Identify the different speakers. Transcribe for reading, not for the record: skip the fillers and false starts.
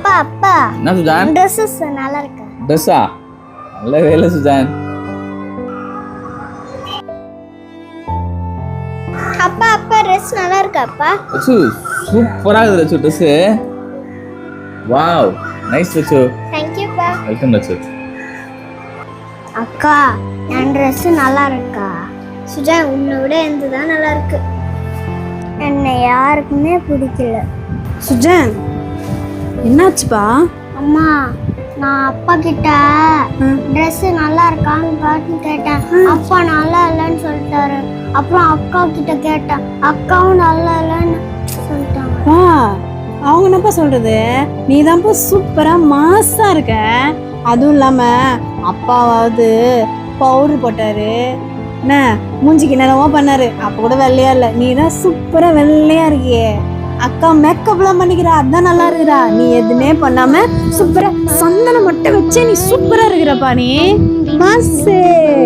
Speaker 1: அப்பா அப்பா
Speaker 2: என்ன சுஜான்?
Speaker 1: ட்ரெஸ்ஸஸ் நல்லா இருக்கு.
Speaker 2: ட்ரெஸ்ஸா? நல்ல வேலை சுஜான்.
Speaker 1: அப்பா அப்பா ட்ரெஸ் நல்லா இருக்கு அப்பா.
Speaker 2: ரச்சு சூப்பரா இருக்குது Rachu dress. Wow nice Rachu.
Speaker 1: Thank you பா.
Speaker 2: வெல்கம் ரச்சு.
Speaker 1: அக்கா என் ட்ரெஸ் நல்லா இருக்கா? சுஜான் உன்னை விட எந்த தான் நல்லா இருக்கு. என்னை யாருக்குமே பிடிக்கல.
Speaker 3: சுஜான் என்னாச்சுப்பா?
Speaker 1: அம்மா நான் அப்பா கிட்ட ட்ரெஸ் நல்லா இருக்கான்னு பார்த்து கேட்டேன். அப்பா நல்லா இல்லைன்னு சொல்லிட்டாரு. அப்புறம் அக்கா கிட்ட கேட்டேன். அக்காவும் நல்லா இல்லைன்னு சொல்லிட்டாங்க.
Speaker 3: அவங்க என்னப்பா சொல்றது? நீ தான்ப்பா சூப்பரா மாசா இருக்க. அதுவும் இல்லாம அப்பாவாவது பவுடர் போட்டாரு, என்ன மூஞ்சிக்கு என்னென்னவோ பண்ணாரு, அப்ப கூட வெள்ளையா இல்ல. நீ தான் சூப்பரா வெள்ளையா இருக்கியே. அக்கா மேக்கப்லாம் பண்ணிக்கிறா, அதான் நல்லா இருக்கிறா. நீ எதுவுமே பண்ணாம சூப்பரா சந்தனம் மட்டும் வச்சே நீ சூப்பரா இருக்கிறப்பா. நீ மாசு.